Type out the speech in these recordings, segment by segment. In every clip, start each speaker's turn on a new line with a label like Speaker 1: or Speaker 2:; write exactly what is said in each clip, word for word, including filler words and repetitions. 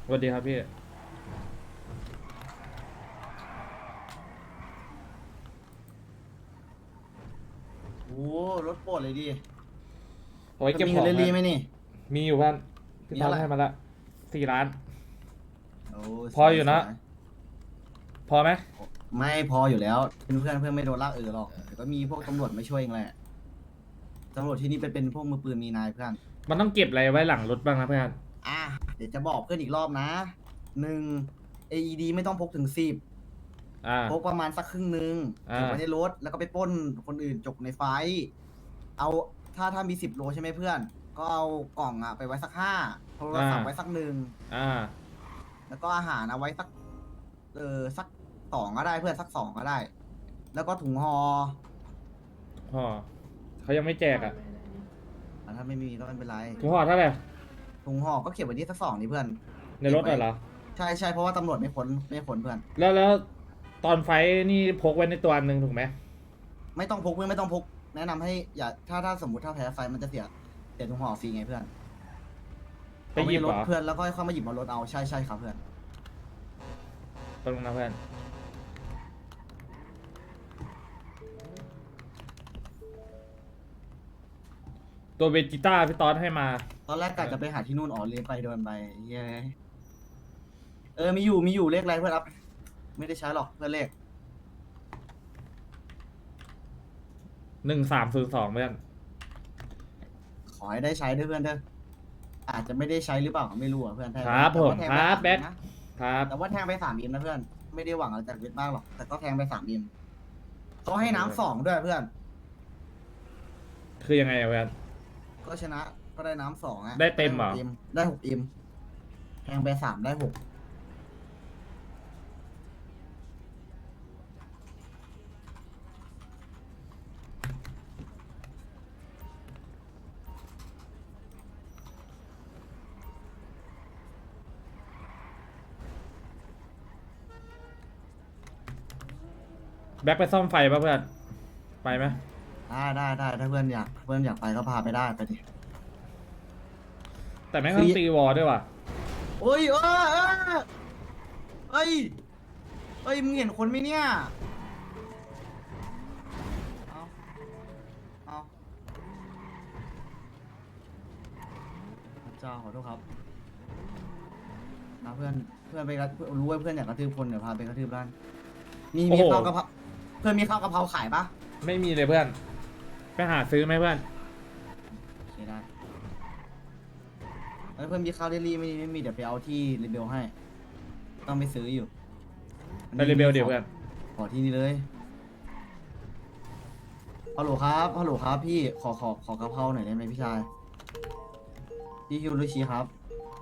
Speaker 1: วัสดีครับพี่
Speaker 2: โอ้รถโปรดเลยดิ
Speaker 1: เอาไว้
Speaker 2: จะมีเงิน
Speaker 1: เก็บของนะ
Speaker 2: เรลี่ไหมนี่
Speaker 1: มีอยู่เพื่อนพี่ตอน
Speaker 2: มีเท่าไหร่
Speaker 1: ให้มาละสี่ล้าน
Speaker 2: โอ้
Speaker 1: พออยู่นะ
Speaker 2: สวยสวย
Speaker 1: พอไหม
Speaker 2: ไม่พออยู่แล้วเป็นเพื่อนเพื่อนไม่โดนลากเออหรอกแต่ก็มีพวกตำรวจมาช่วยเองแหละตำรวจที่นี่เป็นเป็นพวกมือปืนมีนายเพื่อน
Speaker 1: มันต้องเก็บอะไรไว้หลังรถบ้างนะเพื่อน
Speaker 2: อ่ะเดี๋ยวจะบอกเพื่อนอีกรอบนะหนึ่ง เอ อี ดี ไม่ต้องพกถึงสิบ
Speaker 1: อ่า
Speaker 2: พกประมาณสักครึ่งหนึ่ง
Speaker 1: อ่า
Speaker 2: เก็บไว้ในรถแล้วก็ไปปล้นคนอื่นจกในไฟท์เอาถ้าถ้ามีสิบโลใช่ไหมเพื่อน ก็เอากล่องอะไปไว้สักห้าโทรศัพท์ไว้สักหนึ่ง
Speaker 1: อ่า
Speaker 2: แล้วก็อาหารเอาไว้สักเออสักสองก็ได้เพื่อนสักสองก็ได้ แล้วก็ถุงห่อ
Speaker 1: ห่อเขายังไม่แจกอ่ะ
Speaker 2: อ่ะถ้าไม่มีก็ไม่เป็นไร
Speaker 1: ถุงห่อเท่าไหร่
Speaker 2: ถุงห่อก็เก็บไว้ที่สักสองนี่เพื่อน
Speaker 1: ในรถเหรอ
Speaker 2: ใช่ใช่เพราะว่าตำรวจไม่ค้นไม่ค้นเพื่อน
Speaker 1: แล้วแล้วตอนไฟท์นี่พกไว้ในตัวอันหนึ่งถูกไหม
Speaker 2: ไม่ต้องพกเพื่อนไม่ต้องพกแนะนำให้อย่าถ้าถ้าสมมติถ้าแพ้ไฟมันจะเสียเสียถุงห่อฟรีไงเพื่อน
Speaker 1: ไปหยิบ
Speaker 2: เอา
Speaker 1: เหร
Speaker 2: ไว้ในร
Speaker 1: อ
Speaker 2: ถเพื่อนแล้วก็ค่อยมาหยิบบนรถเอาใช่ใช่ครับเพื่อน
Speaker 1: ตรงนะเพื่อนตัวเวจิต้าพี่ตอนให้มา
Speaker 2: ตอนแรกกะจะไปหาที่นู่นอ๋อเรียนไปโดนไปเย้ยเออมีอยู่มีอยู่เลขอะไรเพื่อนรับไม่ได้ใช้หรอกเพื่อนเลข
Speaker 1: หนึ่งสามศูนย์สองเพื่อน
Speaker 2: ขอให้ได้ใช้ด้วยเพื่อนเด้ออาจจะไม่ได้ใช้หรือเปล่าไม่รู้อ่ะเพื่อนแทง
Speaker 1: ครับผม
Speaker 2: แต่
Speaker 1: ค
Speaker 2: ว่า
Speaker 1: รับ
Speaker 2: แท
Speaker 1: แบ็
Speaker 2: ง
Speaker 1: ค
Speaker 2: ไปสามนะ
Speaker 1: ครับ
Speaker 2: แต่ว่าแทงไปสามอิมนะเพื่อน ไม่ได้หวังอะไรจากเวทมากหรอก แต่ก็แทงไปสามอิมเขาให้น้ำสองด้วยเพื่อน
Speaker 1: คือยังไงอะเพื่อน
Speaker 2: ก็ชนะก็ได้น้ำสองอ่ะ
Speaker 1: ได้เต็มเหรอ
Speaker 2: ได้กมได้หกอิมแทงไปสามได้หก
Speaker 1: แบ็คไปซ่อมไฟป่ะเพื่อน ไปไหม
Speaker 2: ได้ได้ได้ถ้าเพื่อนอยากเพื่อนอยากไปก็พาไปได้ไปดิ
Speaker 1: แต่แม่งต้องตีวอลด้วยว่ะ
Speaker 2: โอ้ยเออเออเอ้ยเอ้ยมึงเห็นคนไหมเนี่ยเอาเอาพระเจ้าขอโทษครับนะเพื่อนเพื่อนไปกระรู้ว่าเพื่อนอยากกระทืบคนเดี๋ยวพาไปกระทืบร้านมี
Speaker 1: โอ้
Speaker 2: มี
Speaker 1: โห
Speaker 2: ข้าวกะเพราเพื่อนมีข้าวกะเพราขายปะ
Speaker 1: ไม่มีเลยเพื่อน ไปหาซื้อไหมเพื่อน
Speaker 2: โอเคได้แล้วเพื่อนมีข้าวเดลี่ไม่มีไม่มีเดี๋ยวไปเอาที่รีเบลให้ ต้องไปซื้ออยู่
Speaker 1: ไปรีเบลเดี๋ยวเพื่อน
Speaker 2: ขอที่นี่เลยฮัลโหลครับฮัลโหลครับพี่ขอขอขอกะเพราหน่อยได้ไหมพี่ชายพี่ฮิวรุชิครับ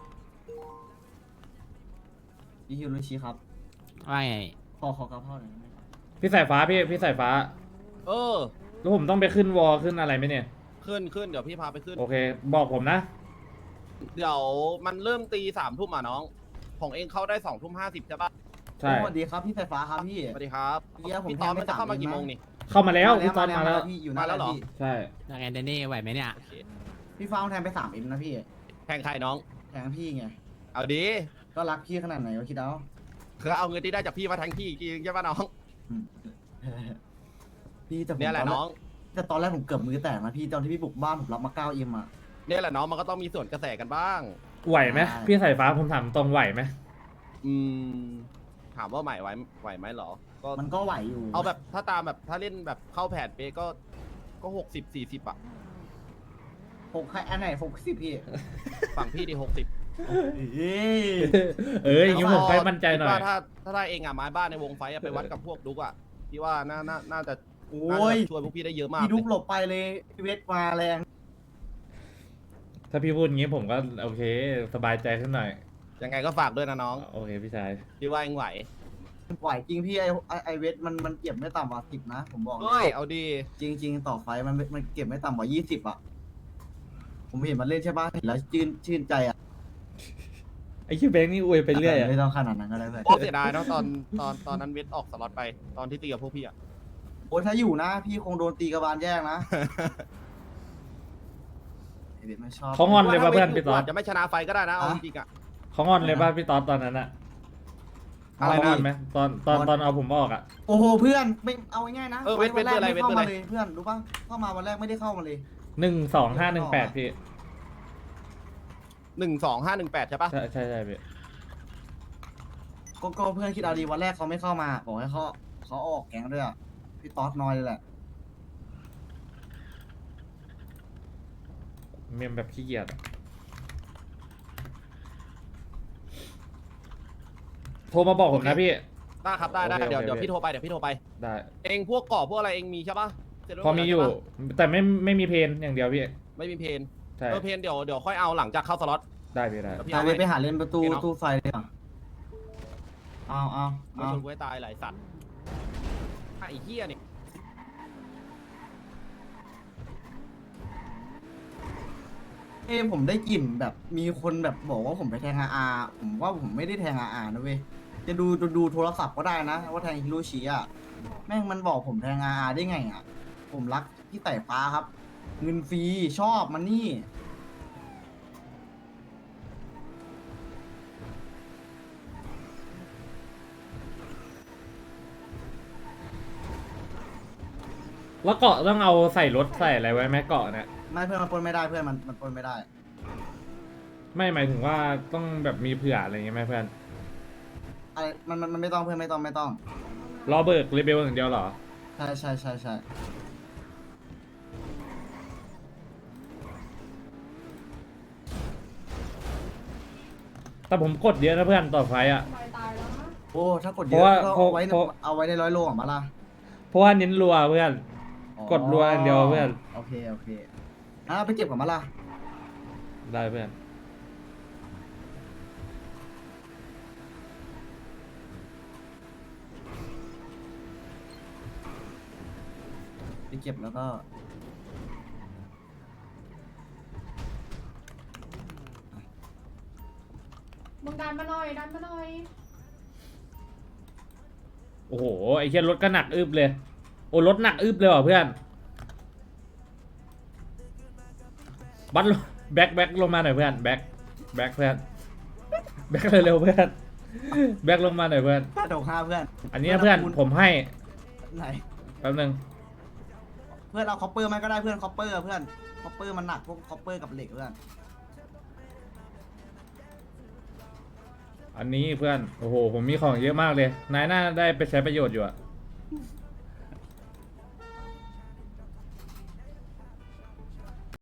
Speaker 2: พี่ฮิวรุชิครับ
Speaker 3: ว่าไง
Speaker 2: ขอขอกะเพราหน่อยได้ไหมครับ
Speaker 1: พี่สายฟ้าพี่ พี่สายฟ้า
Speaker 4: เออ
Speaker 1: แล้วผมต้องไปขึ้นวอลขึ้นอะไรไหมเนี่ย
Speaker 4: ขึ้นขึ้นเดี๋ยวพี่พาไปขึ้น
Speaker 1: โอเค บอกผมนะ
Speaker 4: เดี๋ยวมันเริ่มตีสามทุ่มอ่ะน้อง ของเองเข้าได้สองทุ่มห้าสิบใช่ปะ
Speaker 1: ใช่
Speaker 2: สวัสดีครับพี่สายฟ้าครับพี่
Speaker 4: สวัสดีครับ
Speaker 2: เฮียผม
Speaker 4: พี่ตอน
Speaker 2: แทงไป
Speaker 4: มันจะเข้ามา
Speaker 2: สาม
Speaker 4: กี่
Speaker 2: เดื
Speaker 4: โม
Speaker 2: อน
Speaker 4: ง
Speaker 2: นะ
Speaker 4: นี่
Speaker 1: เข้ามาแล้วพี่ตอนมาแล้ว
Speaker 2: พี่อยู่หน้า
Speaker 4: มาแล้วเหรอ
Speaker 2: พี่
Speaker 1: ใช่
Speaker 3: ยังไงเดนนี่ไหวไหมเนี่ย
Speaker 4: โอเค
Speaker 2: พี่ฟ้าแทงไปสามอิมนะพี่
Speaker 4: แทงใครน้อง
Speaker 2: แทงพี่ไง
Speaker 4: เอาดี
Speaker 2: ก็รักพี่ขนาดไหนวะคิดเอา
Speaker 4: คือเอาเงินที่ได้จากพี่มาแทงพี่อีกทีใช่ปะน้อง
Speaker 2: อืมพี่แต่ผม
Speaker 4: เนี่ยแหละ
Speaker 2: ตอ
Speaker 4: น้อง
Speaker 2: แต่ตอนแรกผมเกือบมือแตกนะพี่ตอนที่พี่บุกบ้านผมรับมาเก้าอิมอ่ะ
Speaker 4: เนี่ยแหละน้องมันก็ต้องมีส่วนกระแสกันบ้าง
Speaker 1: ไหวไหม
Speaker 2: ใช่
Speaker 1: พี่สายฟ้าผมถามตรงไหวไหม
Speaker 4: อืม ถามว่าไหวไหวไหวไหมเหรอ ก็
Speaker 2: มันก็ไหวอยู่
Speaker 4: เอาแบบถ้าตามแบบถ้าเล่นแบบเข้าแผนเป๊ะก็ ก็หกสิบสี่สิบอ่ะ
Speaker 2: หกใครอันไหนหกสิบพี่
Speaker 4: ฝั่งพี่ดีหกสิบ
Speaker 2: เอ้ย
Speaker 1: เอ้ยอย่างนี้ผมค่อยมั่นใจหน่อย
Speaker 4: ว่าถ้าถ้าได้เองอ่ะไม้บ้านในวงไฟอะไปวัดกับพวกดุกอ่ะพี่ว่าน่าน่าน่าจะ
Speaker 2: โอ้
Speaker 4: น่าจะ
Speaker 2: ย
Speaker 4: ช่วยพวกพี่ได้เยอะมาก
Speaker 2: พี่ดุก
Speaker 4: เลย
Speaker 2: หลบไปเลยพี่เวทมาแรง
Speaker 1: ถ้าพี่พูดอย่างนี้ผมก็โอเค สบายใจขึ้นหน่อย
Speaker 4: ยังไงก็ฝากด้วยนะน้อง
Speaker 1: โอเคพี่ชาย
Speaker 4: พี่ว่าเองไหว
Speaker 2: ไหวจริงพี่ไอไอ้ไอเวทมันมันเก็บไม่ต่ำกว่าสิบนะผมบอกเล
Speaker 4: เฮ้ย
Speaker 2: ย
Speaker 4: เอาดี
Speaker 2: จริงจริง ๆ ต่อไฟมันมันเก็บไม่ต่ำกว่ายี่สิบอ่ะผมเห็นมันเล่นใช่ปะเห็นแล้วชื่นชื่นใจอ่ะ
Speaker 1: ไอ้ชื่อแบงค์นี่อวยไปเรื่อยอะ
Speaker 2: ไม่ต้องขนาดนั้นก็ได้เลย
Speaker 4: โอ้เสียดายเนาะตอนตอนตอนนั้นเวทออกสล็อตไปตอนที่ตีกับพวกพี่อ่ะ
Speaker 2: โอ้ยถ้าอยู่นะ พี่คงโดนตีกระบาลแยกนะไอเวทไม่ชอบ
Speaker 1: เขางอนเลยป่ะเพื่อนพี่ตอ
Speaker 4: อา
Speaker 1: ด
Speaker 4: จจะไม่ชนะไฟก็ได้นะเอาจริงๆอ่ะ
Speaker 1: เขางอนเลยป่ะพี่ตอนตอนนั้นอะ
Speaker 4: อะไร
Speaker 1: เขาง
Speaker 4: นะ
Speaker 1: อนไหมตอนตอนตอนเอาผมออกอะ
Speaker 2: โอ้โหเพื่อนไม่เอาง่ายๆนะ
Speaker 4: เออเวท
Speaker 2: วันแรก
Speaker 4: เวท
Speaker 2: ไม่
Speaker 4: เวท
Speaker 2: เข้า
Speaker 4: เวท
Speaker 2: มา
Speaker 4: อะไร
Speaker 2: เลยเพื่อนรู้ป่ะเข้ามาวันแรกไม่ได้เข้ามาเลย
Speaker 1: หนึ่งสองห้าหนึ่งแปดพี่
Speaker 4: หนึ่งสองห้าหนึ่งแปดใช่ปะ
Speaker 1: ใช่ใช่ใช่พี่
Speaker 2: ก็ก็เพื่อนคิดเอาดีวันแรกเขาไม่เข้ามาบอกให้เขาเขาออกแก๊งด้วยอ่ะพี่ต๊อดน้อยเลยแหละ
Speaker 1: เมมแบบขี้เกียจอะโทรมาบอกผมนะพี่
Speaker 4: ได้ครับได้ได้
Speaker 1: โอเค
Speaker 4: เดี๋ยว
Speaker 1: โอเค
Speaker 4: เดี๋ยวพี่โทรไปเดี๋ยวพี่โทรไป
Speaker 1: ได้
Speaker 4: เองพวกเกาะพวกอะไรเองมีใช่ปะเสร็จแล้ว
Speaker 1: พอมีอยู่
Speaker 4: ใช่ปะ
Speaker 1: แต่ไม่ไม่มีเพนอย่างเดียวพี่
Speaker 4: ไม่มีเพน
Speaker 1: ใช่
Speaker 4: เออเพนเดี๋ยวเดี๋ยวค่อยเอาหลังจากเข้าสล็อต
Speaker 1: ได้พี่ได้
Speaker 4: เดี๋ยวพี่
Speaker 2: เอา
Speaker 4: เอา
Speaker 2: ไป
Speaker 4: ให้
Speaker 2: ไปหาเล่นประตู
Speaker 4: โอเคเนอะ
Speaker 2: ตู้ไฟเลยอ่ะเอาเอา
Speaker 4: ไม่
Speaker 2: เอา
Speaker 4: ชนกูให้ตายหลายสัตว์ไอ้เหี้ยนี่
Speaker 2: เอ้ผมได้กลิ่นแบบมีคนแบบบอกว่าผมไปแทงอาอาผมว่าผมไม่ได้แทงอาอานะเว้ยจะดูดูดูโทรศัพท์ก็ได้นะว่าแทงฮิโรชิอ่ะแม่งมันบอกผมแทงอาอาได้ไงอ่ะผมรักพี่ไต่ฟ้าครับ เงินฟรีชอบมันนี่
Speaker 1: แล้วเกาะต้องเอาใส่รถใส่อะไรไว้ไหมเกาะเนี่ย
Speaker 2: ไม่เพื่อนมันปล้นไม่ได้เพื่อนมันมันปล้นไม่ได้
Speaker 1: ไม่หมายถึงว่าต้องแบบมีเผื่ออะไรอย่างเงี้ยไหมเพื่อน
Speaker 2: อะไรมันมันมันไม่ต้องเพื่อนไม่ต้องไม่ต้อง
Speaker 1: รอเบิกรีเบลอย่างเดียวเหรอ
Speaker 2: ใช่ใช่ใช่ใช่
Speaker 1: แต่ผมกดเยอะนะเพื่อนต่อไฟต์อ่ะ
Speaker 2: โอ้ถ้ากดเย
Speaker 1: เพราะว่า
Speaker 2: อะก็
Speaker 1: เพราะ
Speaker 2: เอาไว้ใน
Speaker 1: เพราะ
Speaker 2: เอาไว้ในร้อยโลอ่ะมาล่ะ
Speaker 1: เพราะว่าเน้นรัวเพื่อน กดรัวอย่างเดียวเพื่อน
Speaker 2: โอเคโอเคอ่ะไปเก็บกับมาล่ะ
Speaker 1: ได้เพื่อน
Speaker 2: ไปเก็บแล้วก็
Speaker 5: มึงดันมาหน่อยดันมาหน่อย
Speaker 1: โอ้โหไอ้เชี่ยรถก็หนักอึบเลย โอ้รถหนักอึบเลยว่ะเพื่อนบัสลงแบ็คแบ็คลงมาหน่อยเพื่อนแบ็คแบ็คเพื่อนแบ็คเร็วๆเพื่อนแบ็คลงมาหน่อยเพื่อน
Speaker 2: ห้าดอกห้าเพื่อน
Speaker 1: อันนี้นะเพื่อนผมให้
Speaker 2: ไหน
Speaker 1: แป๊บนึง
Speaker 2: เพื่อนเอาคอปเปอร์มาก็ได้เพื่อนคอปเปอร์เพื่อนคอปเปอร์มันหนักพวกคอปเปอร์กับเหล็กเพื่อน
Speaker 1: อันนี้เพื่อนโอ้โหผมมีของเยอะมากเลยนายน่าได้ไปใช้ประโยชน์อยู่อะ